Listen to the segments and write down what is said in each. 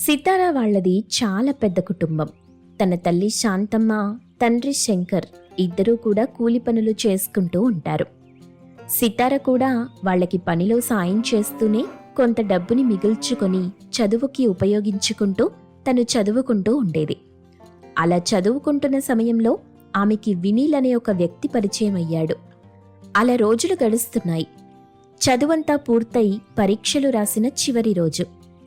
సితారా వాళ్ళది చాలా పెద్ద కుటుంబం. తన తల్లి శాంతమ్మ, తండ్రి శంకర్ ఇద్దరూ కూడా కూలి పనులు చేసుకుంటూ ఉంటారు. సితార కూడా వాళ్ళకి పనిలో సాయం చేస్తూనే కొంత డబ్బుని మిగుల్చుకొని చదువుకి ఉపయోగించుకుంటూ తను చదువుకుంటూ ఉండేది. అలా చదువుకుంటున్న సమయంలో ఆమెకి వినీల్ అనే ఒక వ్యక్తి పరిచయం అయ్యాడు. అలా రోజులు గడుస్తున్నాయి. చదువంతా పూర్తయి పరీక్షలు రాసిన చివరి రోజు.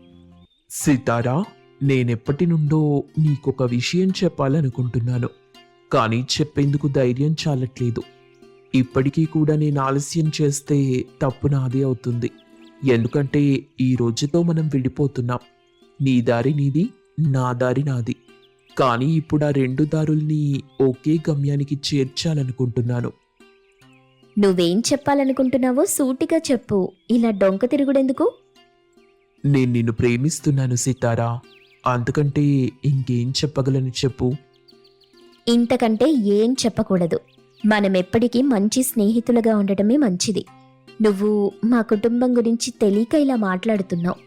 సితారా, నేనెప్పటి నుండో నీకొక విషయం చెప్పాలనుకుంటున్నాను, కానీ చెప్పేందుకు ధైర్యం చాలట్లేదు. ఇప్పటికీ కూడా నేను ఆలస్యం చేస్తే తప్పు నాదే అవుతుంది. ఎందుకంటే ఈ రోజుతో మనం విడిపోతున్నాం. నీ దారి నీది, నా దారి నాది. కానీ ఇప్పుడు ఆ రెండు దారుల్ని ఒకే గమ్యానికి చేర్చాలనుకుంటున్నాను. నువ్వేం చెప్పాలనుకుంటున్నావో సూటిగా చెప్పు, ఇలా డొంక తిరుగుడెందుకు? నేను నిన్ను ప్రేమిస్తున్నాను సితారా. అంతకంటే ఇంకేం చెప్పగలను చెప్పు. ఇంతకంటే ఏం చెప్పకూడదు. మనమెప్పటికీ మంచి స్నేహితులుగా ఉండటమే మంచిది. నువ్వు మా కుటుంబం గురించి తెలియక ఇలా మాట్లాడుతున్నావు.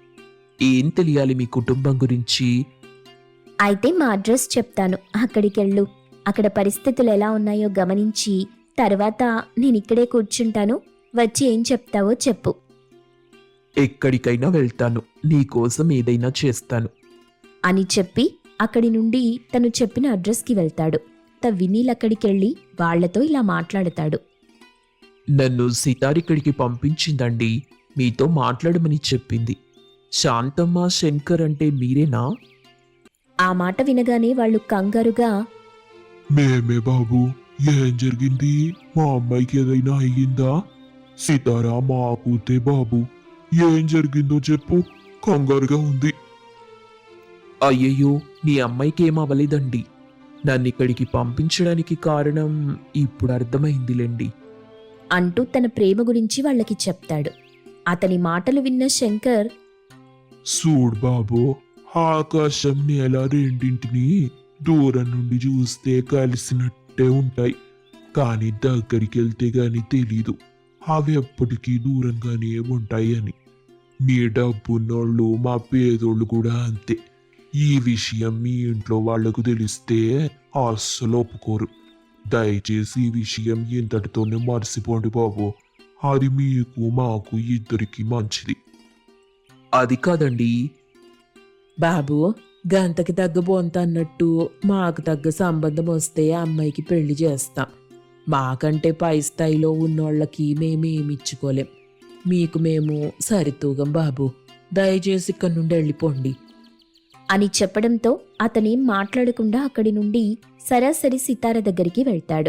ఏం తెలియాలి మీ కుటుంబం గురించి? అయితే మా అడ్రస్ చెప్తాను, అక్కడికెళ్ళు. అక్కడ పరిస్థితులు ఎలా ఉన్నాయో గమనించి తర్వాత నేనిక్కడే కూర్చుంటాను. వచ్చి ఏం చెప్తావో చెప్పు. ఎక్కడికైనా వెళ్తాను, నీకోసం ఏదైనా చేస్తాను అని చెప్పి అక్కడి నుండి తను చెప్పిన అడ్రస్కి వెళ్తాడు. వినీల్ అక్కడికెళ్ళి వాళ్లతో ఇలా మాట్లాడతాడు. నన్ను సితారిక్కడికి పంపించిందండి, మీతో మాట్లాడమని చెప్పింది. శాంతమ్మ, శంకర్ అంటే మీరేనా? ఆ మాట వినగానే వాళ్ళు కంగారుగా, మేమే బాబు. ఏం జరిగింది? మా అమ్మాయికి ఏదైనా అయ్యిందా? సితారా, మా కూతే బాబు. ఏం జరిగిందో చెప్పు, కంగారుగా ఉంది. అయ్యయ్యో, నీ అమ్మాయికి ఏం అవ్వలేదండి. నన్ను ఇక్కడికి పంపించడానికి కారణం ఇప్పుడు అర్థమైందిలేండి అంటూ తన ప్రేమ గురించి వాళ్ళకి చెప్తాడు. అతని మాటలు విన్న శంకర్, చూడు బాబు, ఆకాశం నేల రెండింటినీ దూరం నుండి చూస్తే కలిసినట్టే ఉంటాయి, కానీ దగ్గరికి వెళ్తే గాని తెలీదు అవి ఎప్పటికీ దూరంగానే ఉంటాయి అని. మీ డబ్బున్నోళ్ళు, మా పేదోళ్ళు కూడా అంతే. ఈ విషయం మీ ఇంట్లో వాళ్లకు తెలిస్తే అస్సలు ఒప్పుకోరు. దయచేసి ఈ విషయం ఇంతటితోనే మర్చిపోండి బాబు. అది మీకు మాకు ఇద్దరికి మంచిది. అది కాదండి బాబు, గంతకి తగ్గ బొంత అన్నట్టు మాకు తగ్గ సంబంధం వస్తే అమ్మాయికి పెళ్లి చేస్తాం. మాకంటే పై స్థాయిలో ఉన్నోళ్ళకి మేమేమిచ్చుకోలేం. మీకు మేము సరితూగం బాబు. దయచేసి ఇక్కడి నుండి వెళ్ళిపోండి అని చెప్పడంతో అతనేం మాట్లాడకుండా అక్కడి నుండి సరాసరి సితార దగ్గరికి వెళ్తాడు.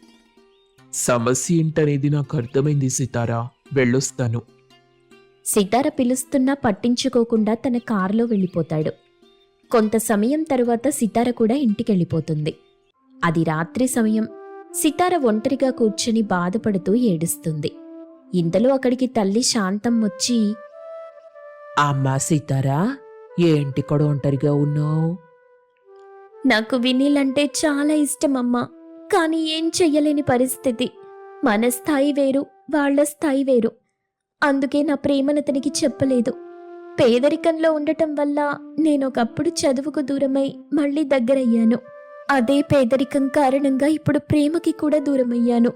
సమస్య ఏంటనేది నాకు అర్థమైంది సితారా, వెళ్ళొస్తాను. సితార పిలుస్తున్నా పట్టించుకోకుండా తన కారులో వెళ్ళిపోతాడు. కొంత సమయం తరువాత సితార కూడా ఇంటికెళ్ళిపోతుంది. అది రాత్రి సమయం. సితార ఒంటరిగా కూర్చుని బాధపడుతూ ఏడుస్తుంది. ఇంతలో అక్కడికి తల్లి శాంతం వచ్చి, అమ్మా సితారా, ఏంటి కూడా ఒంటరిగా ఉన్నావు? నాకు వినీల్ అంటే చాలా ఇష్టమమ్మా, కానీ ఏం చెయ్యలేని పరిస్థితి. మన స్థాయి వేరు, వాళ్ళ స్థాయి వేరు. అందుకే నా ప్రేమనతనికి చెప్పలేదు. పేదరికంలో ఉండటం వల్ల నేనొకప్పుడు చదువుకు దూరమై మళ్ళీ దగ్గరయ్యాను. అదే పేదరికం కారణంగా ఇప్పుడు ప్రేమకి కూడా దూరమయ్యాను.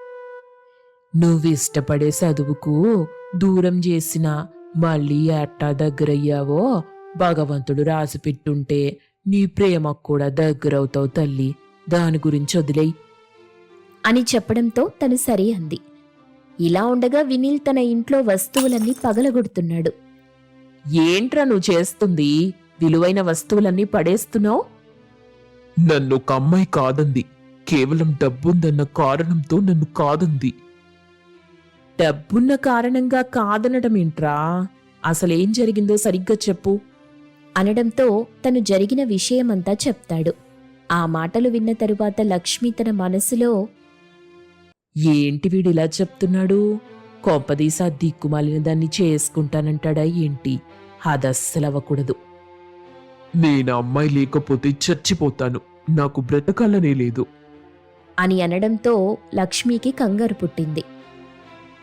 నువ్విష్టపడే చదువుకు దూరం చేసినా మళ్ళీ ఎట్టా దగ్గరయ్యావో భగవంతుడు రాసిపెట్టుంటే నీ ప్రేమకు కూడా దగ్గరవుతావు తల్లి. దాని గురించి వదిలేయ్ అని చెప్పడంతో తను సరే అంది. ఇలా ఉండగా వినీల్ తన ఇంట్లో వస్తువులన్నీ పగలగొడుతున్నాడు. ఏంట్రా నువ్వు చేస్తుంది? విలువైన వస్తువులన్నీ పడేస్తున్నావు. నన్ను ఒక అమ్మాయి కాదంది, కేవలం డబ్బుందన్న కారణంతో నన్ను కాదంది. డబ్బున్న కారణంగా కాదనడం ఏంట్రా? అసలేం జరిగిందో సరిగ్గా చెప్పు అనడంతో తను జరిగిన విషయమంతా చెప్తాడు. ఆ మాటలు విన్న తరువాత లక్ష్మి తన మనసులో, ఏంటి వీడిలా చెప్తున్నాడు? కొంపదీసా దిక్కుమాలిన దాన్ని చేసుకుంటానంటాడా ఏంటి? అదస్సలవ్వకూడదు. నేను అమ్మాయి లేకపోతే చచ్చిపోతాను, నాకు బ్రతకాలనే లేదు అని అనడంతో లక్ష్మికి కంగారు పుట్టింది.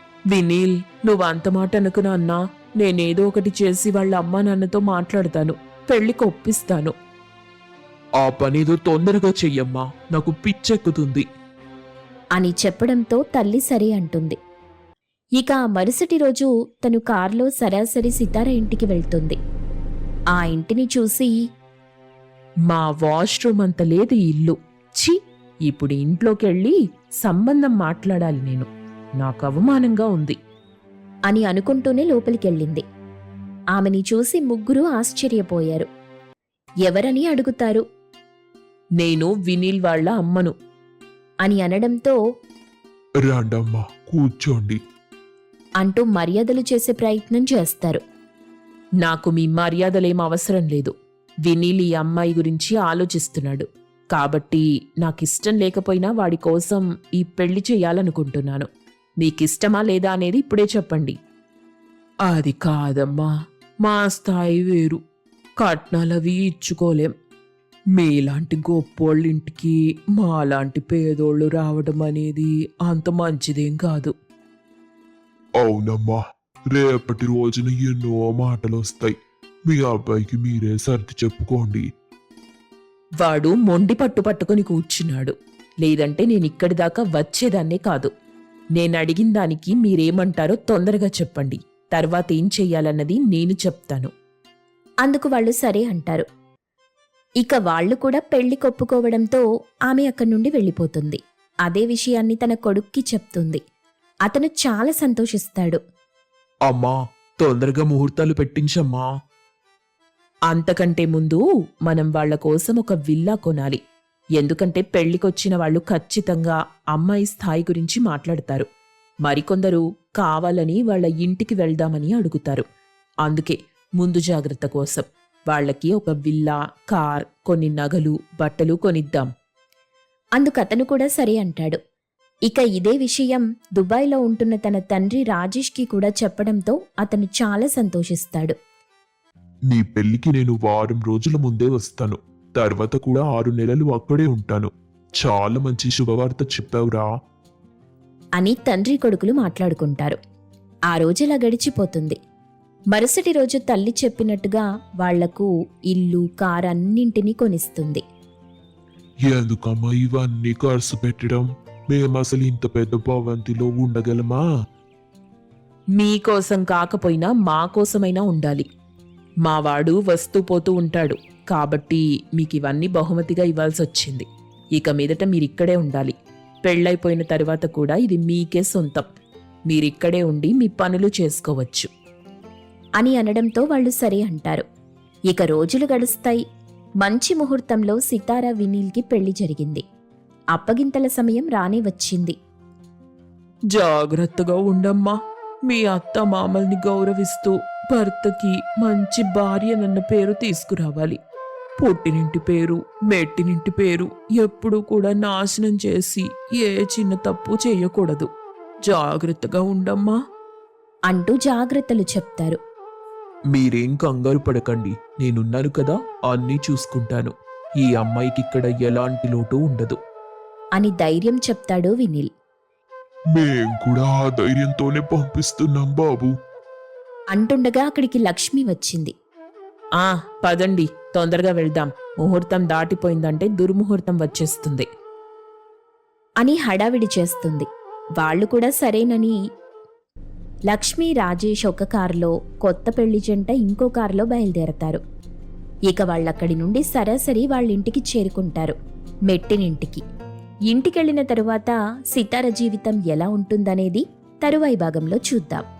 వినీల్, నువ్వు అంత మాట అనుకున్నా అన్నా, నేనేదో ఒకటి చేసి వాళ్ళ అమ్మా నాన్నతో మాట్లాడతాను. పెళ్లికి ఒప్పిస్తాను. ఆ పనేదో తొందరగా చెయ్యమ్మా, నాకు పిచ్చెక్కుతుంది. అని చెప్పడంతో తల్లి సరే అంటుంది. ఇక ఆ మరుసటి రోజు తను కారులో సరాసరి సితార ఇంటికి వెళ్తుంది. ఆ ఇంటిని చూసి, మా వాష్రూమ్ అంత లేదు ఈ ఇల్లు. ఛీ, ఇప్పుడు ఇంట్లోకెళ్ళి సంబంధం మాట్లాడాలి నేను. నాకు అవమానంగా ఉంది అని అనుకుంటూనే లోపలికెళ్ళింది. ఆమెని చూసి ముగ్గురు ఆశ్చర్యపోయారు. ఎవరని అడుగుతారు. నేను వినీల్ వాళ్ళ అమ్మను. అని అనడంతో రాండమ్మా కూర్చోండి. అంటూ మర్యాదలు చేసే ప్రయత్నం చేస్తారు. నాకు మీ మర్యాదలేం అవసరం లేదు. వినీల్ ఈ అమ్మాయి గురించి ఆలోచిస్తున్నాడు. కాబట్టి నాకిష్టం లేకపోయినా వాడి కోసం ఈ పెళ్లి చెయ్యాలనుకుంటున్నాను. మీకిష్టమా లేదా అనేది ఇప్పుడే చెప్పండి. అది కాదమ్మా, మా స్థాయి వేరు. కట్నాలవి ఇచ్చుకోలేం. మీలాంటి గొప్పోళ్ళింటికి మాలాంటి పేదోళ్ళు రావడం అనేది అంత మంచిదేం కాదు. అవునమ్మా, రేపటి రోజున ఎన్నో మాటలు వస్తాయి. మీ అబ్బాయికి మీరే సర్ది చెప్పుకోండి. వాడు మొండి పట్టుకొని కూర్చున్నాడు. లేదంటే నేనిక్కడి దాకా వచ్చేదాన్నే కాదు. నేనడిగిన దానికి మీరేమంటారో తొందరగా చెప్పండి. తర్వాత ఏం చెయ్యాలన్నది నేను చెప్తాను. అందుకు వాళ్ళు సరే అంటారు. ఇక వాళ్ళు కూడా పెళ్లి కొప్పుకోవడంతో ఆమె అక్కడి నుండి వెళ్ళిపోతుంది. అదే విషయాన్ని తన కొడుక్కి చెప్తుంది. అతను చాలా సంతోషిస్తాడు. అమ్మా, తొందరగా ముహూర్తాలు పెట్టించమ్మా. అంతకంటే ముందు మనం వాళ్ల కోసం ఒక విల్లా కొనాలి. ఎందుకంటే పెళ్లికొచ్చిన వాళ్ళు ఖచ్చితంగా అమ్మాయి స్థాయి గురించి మాట్లాడతారు. మరికొందరు కావాలని వాళ్ళ ఇంటికి వెళ్దామని అడుగుతారు. అందుకే ముందు జాగ్రత్త కోసం వాళ్ళకి ఒక విల్లా, కార్, కొన్ని నగలు, బట్టలు కొనిద్దాం. అందుకతను కూడా సరే అంటాడు. ఇక ఇదే విషయం దుబాయ్లో ఉంటున్న తన తండ్రి రాజేష్కి కూడా చెప్పడంతో అతను చాలా సంతోషిస్తాడు. నీ పెళ్లికి నేను వారం రోజుల ముందే వస్తాను. తర్వాత కూడా 6 నెలలు అక్కడే ఉంటాను. చాలా మంచి శుభవార్త చెప్పావురా అని తండ్రి కొడుకులు మాట్లాడుకుంటారు. ఆ రోజులా గడిచిపోతుంది. మరుసటి రోజు తల్లి చెప్పినట్టుగా వాళ్లకు ఇల్లు, కార్ అన్నింటినీ కొనిస్తుంది. ఎందుకమ్మా ఇవన్నీ ఖర్చు పెట్టడం? మేమసలు ఇంత పెద్ద భవంతిలో ఉండగలమా? మీకోసం కాకపోయినా మా కోసమైనా ఉండాలి. మావాడు వస్తూ పోతూ ఉంటాడు. కాబట్టి మీకివన్నీ బహుమతిగా ఇవ్వాల్సొచ్చింది. ఇక మీదట మీరిక్కడే ఉండాలి. పెళ్ళైపోయిన తరువాత కూడా ఇది మీకే సొంతం. మీరిక్కడే ఉండి మీ పనులు చేసుకోవచ్చు అని అనడంతో వాళ్ళు సరే అంటారు. ఇక రోజులు గడుస్తాయి. మంచి ముహూర్తంలో సితారా వినీల్కి పెళ్లి జరిగింది. అప్పగింతల సమయం రానే వచ్చింది. జాగ్రత్తగా ఉండమ్మా. మీ అత్త మామల్ని గౌరవిస్తూ భర్తకి మంచి భార్యనన్న పేరు తీసుకురావాలి. పుట్టినింటి పేరు, మెట్టినింటి పేరు ఎప్పుడూ కూడా నాశనం చేసి ఏ చిన్న తప్పు చేయకూడదు. జాగ్రత్తగా ఉండమ్మా అంటూ జాగ్రత్తలు చెప్తారు. మీరేం కంగారు పడకండి, నేనున్నాను కదా, అన్నీ చూసుకుంటాను. ఈ అమ్మాయికి ఇక్కడ ఎలాంటి లోటు ఉండదు అని ధైర్యం చెప్తాడు వినీల్. మేం కూడా ఆ ధైర్యంతోనే పంపిస్తున్నాం బాబు. అంటుండగా అక్కడికి లక్ష్మి వచ్చింది. పదండి, తొందరగా వెళ్దాం. ముహూర్తం దాటిపోయిందంటే దుర్ముహూర్తం వచ్చేస్తుంది అని హడావిడి చేస్తుంది. వాళ్ళు కూడా సరేనని లక్ష్మి, రాజేష్ ఒక కారులో, కొత్త పెళ్లి జంట ఇంకో కారులో బయలుదేరతారు. ఇక వాళ్ళక్కడి నుండి సరాసరి వాళ్ళింటికి చేరుకుంటారు, మెట్టినింటికి. ఇంటికెళ్లిన తరువాత సితార జీవితం ఎలా ఉంటుందనేది తరువాయి భాగంలో చూద్దాం.